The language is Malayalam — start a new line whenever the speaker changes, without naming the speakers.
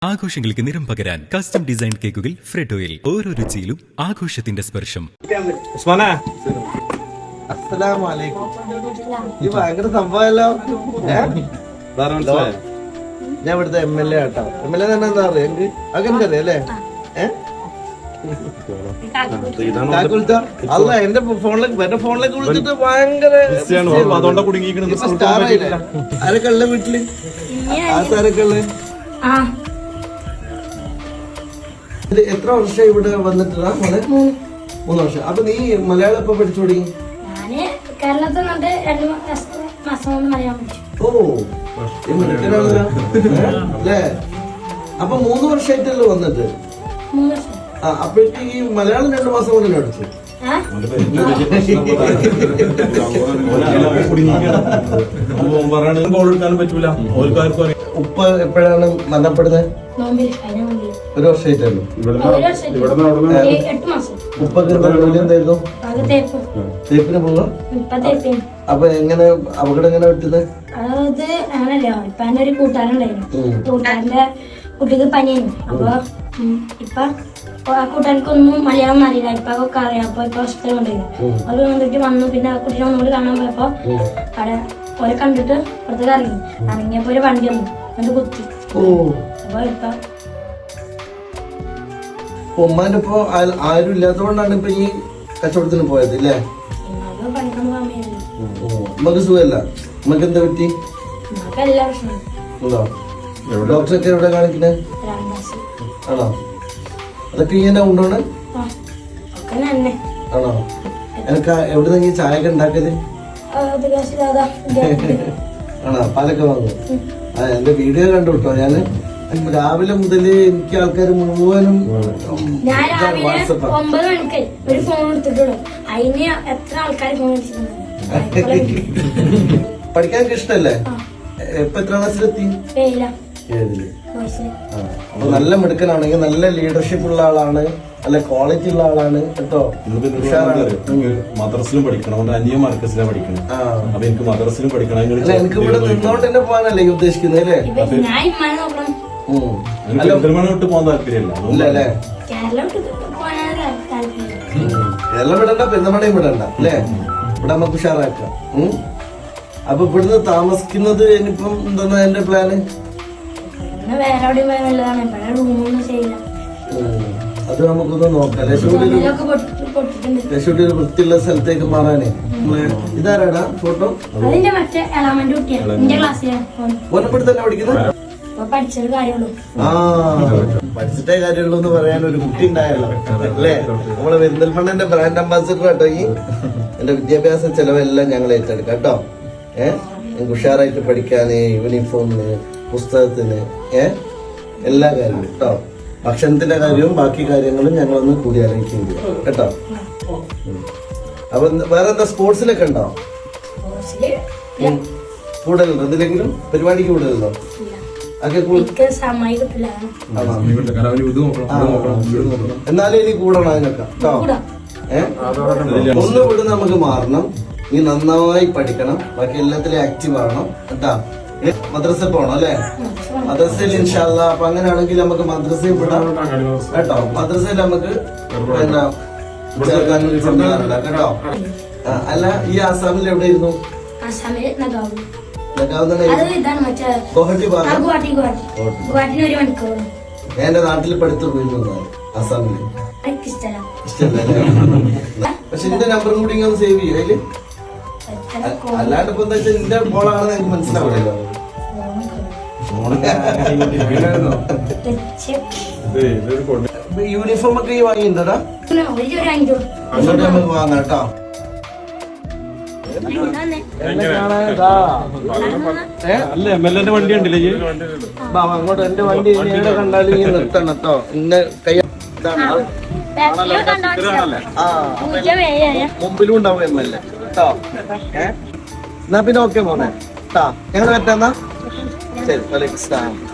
ആഘോഷങ്ങൾക്ക് നിറം പകരാൻ കസ്റ്റം ഡിസൈൻ കേക്കുകൾ ഫ്രെഡോയിൽ. ഓരോ രുചിയിലും ആഘോഷത്തിന്റെ സ്പർശം.
ഭയങ്കര സംഭവമല്ലോ. ഞാൻ ഇവിടുത്തെ MLA ആട്ടോ. MLA തന്നെ എന്താ പറയാ, അങ്ങനെ അറിയാം അല്ലേ? അല്ല, എന്റെ ഫോണിലേക്ക് വിളിച്ചിട്ട് ഭയങ്കര സ്റ്റാർ ആയില്ലേ? ആരൊക്കെ ഉള്ള വീട്ടില്? ആരൊക്കെ ഉള്ള? എത്ര വർഷം ഇവിടെ വന്നിട്ടാ മോനെ? 3 വർഷം. അപ്പൊ നീ മലയാളം എപ്പോ പഠിച്ചു തുടങ്ങി? ഓ, അല്ലേ? അപ്പൊ 3 വർഷമായിട്ടല്ലോ വന്നിട്ട്. അപ്പോഴേക്ക് ഈ മലയാളം 2 മാസം കൊണ്ട് പഠിച്ചു. ഉപ്പ എപ്പോഴാണ് മരണപ്പെടുന്നത്? 1 വർഷമായിട്ടല്ലോ. ഉപ്പൊക്കെ ജോലി എന്തായിരുന്നു? തേപ്പിന് പോകാം. അപ്പൊ എങ്ങനെ അപകടം എങ്ങനെ പറ്റുന്നത്?
അത് അങ്ങനല്ലോ, ഇപ്പൊ എന്റെ ഒരു കൂട്ടുകാരുണ്ടായിരുന്നു. കൂട്ടുകാരന്റെ കുട്ടിക്ക് പനിയായിരുന്നു. അപ്പൊ ഇപ്പൊ ആ കൂട്ടുകാർക്കൊന്നും മലയാളം അറിയില്ല. ഇപ്പൊ ഒക്കെ അറിയാം. അപ്പൊ ഇപ്പൊ ഹോസ്പിറ്റലിൽ കൊണ്ടുപോയി. അത് വന്നിട്ട് വന്നു. പിന്നെ ആ കുട്ടീനെ ഒന്നുകൂടി കാണാൻ പോയപ്പോ അവിടെ ഓരെ കണ്ടിട്ട് പുറത്തേക്ക് ഇറങ്ങിയപ്പോ ഒരു വണ്ടി വന്നു, എന്നിട്ട് കുത്തി. അപ്പൊ ഇപ്പൊ
ഉമ്മാന്റെ ഇപ്പൊ ആരും ഇല്ലാത്തതുകൊണ്ടാണ് ഇപ്പൊ ഈ കച്ചവടത്തിന് പോയത് അല്ലേ? ഉമ്മക്ക് സുഖമല്ല. ഉമ്മക്ക് എന്താ പറ്റി? ഡോക്ടറൊക്കെ എവിടെ കാണിക്കണേ? ആണോ? അതൊക്കെ ഇങ്ങനെ ഉണ്ടോണ്? ആണോ? എനിക്ക് എവിടെ നിന്ന് ചായ ഒക്കെ ഉണ്ടാക്കിയത്? ആണോ? പാലൊക്കെ വാങ്ങും. എന്റെ വീഡിയോ കണ്ടു കേട്ടോ. ഞാന് രാവിലെ മുതല് എനിക്ക് ആൾക്കാർ മുഴുവനും പഠിക്കാനൊക്കെ ഇഷ്ടല്ലേ? ഇപ്പൊ എത്ര ക്ലാസ്സിലെത്തി? 7. അപ്പൊ നല്ല മിടുക്കനാണെങ്കിൽ, നല്ല ലീഡർഷിപ്പ് ഉള്ള ആളാണ്, നല്ല ക്വാളിറ്റി ഉള്ള ആളാണ് കേട്ടോ.
മദ്രസിലും പഠിക്കണം, അനിയ മാർക്കസിലാണ് പഠിക്കണം. അപ്പൊ എനിക്ക് മദ്രസിലും പഠിക്കണം.
എനിക്ക് ഇവിടെ നിന്നോണ്ട് തന്നെ പോകാനല്ലേ ഉദ്ദേശിക്കുന്നത് അല്ലേ?
പെരിന്തൽമണ്ണ പോകാൻ താല്പര്യമില്ല.
കേരളം വിടണ്ട, പെരുന്തൽമണ്ണയും വിടണ്ട അല്ലേ? ഇവിടെ നമുക്ക് ഉഷാറാക്കാം. അപ്പൊ ഇവിടുന്ന് താമസിക്കുന്നത് ഇനിയിപ്പം എന്താ എന്റെ പ്ലാന്? അത് നമുക്കൊന്ന് നോക്കാം. ലക്ഷ്മിയുടെ ഒരു വൃത്തിയുള്ള സ്ഥലത്തേക്ക് മാറാനേ. ഇതാരാടാ ഫോട്ടോ? ഓനപ്പെടുത്ത് തന്നെ പഠിക്കുന്നത്? പഠിച്ചിട്ടേ കാര്യമുള്ളൂ എന്ന് പറയാൻ ഒരു കുട്ടി ഉണ്ടായല്ലോ അല്ലേ? നമ്മളെ പെരിന്തൽമണ്ണന്റെ ബ്രാൻഡ് അംബാസിഡർ കേട്ടോ. ഈ എന്റെ വിദ്യാഭ്യാസ ചെലവെല്ലാം ഞങ്ങൾ ഏറ്റെടുക്കാം കേട്ടോ. ഞങ്ങൾക്ക് ഉഷാറായിട്ട് പഠിക്കാന്, യൂണിഫോമിന്, പുസ്തകത്തിന്, എല്ലാ കാര്യവും കേട്ടോ. ഭക്ഷണത്തിന്റെ കാര്യവും ബാക്കി കാര്യങ്ങളും ഞങ്ങളൊന്ന് കൂടി അറിയിക്കുകയും ചെയ്യാം കേട്ടോ. അപ്പൊ വേറെ എന്താ സ്പോർട്സിലൊക്കെ ഉണ്ടോ? കൂടുതലുണ്ടോ? എന്തിലെങ്കിലും പരിപാടിക്ക് കൂടുതലുണ്ടോ? എന്നാലും ഇനി കൂടണം അതിനൊക്കെ കേട്ടോ. ഒന്ന് ഇവിടെ നമുക്ക് മാറണം. നീ നന്നായി പഠിക്കണം, ബാക്കി എല്ലാത്തിലും ആക്റ്റീവ് ആവണം കേട്ടാ. മദ്രസ പോണം അല്ലേ? മദ്രസയിൽ ഇൻഷാ അല്ലാ. അപ്പൊ അങ്ങനെയാണെങ്കിൽ നമുക്ക് മദ്രസയിൽ വിടാം കേട്ടോ. മദ്രസയിൽ നമുക്ക് എന്താ കേട്ടോ. അല്ല, ഈ ആസാമിൽ എവിടെയിരുന്നു? എന്റെ നാട്ടിൽ പഠിത്തു പോയിരുന്നു ആസാമില്. പക്ഷെ എന്റെ നമ്പറും കൂടി ഇങ്ങനെ സേവ് ചെയ്യും അതില്. അല്ലാണ്ട് ഇപ്പൊ എന്താ വെച്ചാൽ എന്റെ ബോളാണെന്ന് എനിക്ക് മനസ്സിലാവില്ലല്ലോ. യൂണിഫോം ഒക്കെ ഈ വാങ്ങിയിട്ടുണ്ടോടാ? അങ്ങോട്ട് നമുക്ക് വാങ്ങാം കേട്ടോ.
അല്ല, MLA വണ്ടി ഉണ്ടല്ലേ?
അങ്ങോട്ട് എന്റെ വണ്ടി എവിടെ കണ്ടാലും ഈ നിർത്തണം കേട്ടോ. ഇന്ന കൈ മുമ്പിലും ഉണ്ടാവും MLA കേട്ടോ. എന്നാ പിന്നെ ഓക്കെ മോനെ കേട്ടോ. ഞങ്ങൾ പറ്റാന്നാ ശരി. വലൈക്കും സ്സലാം.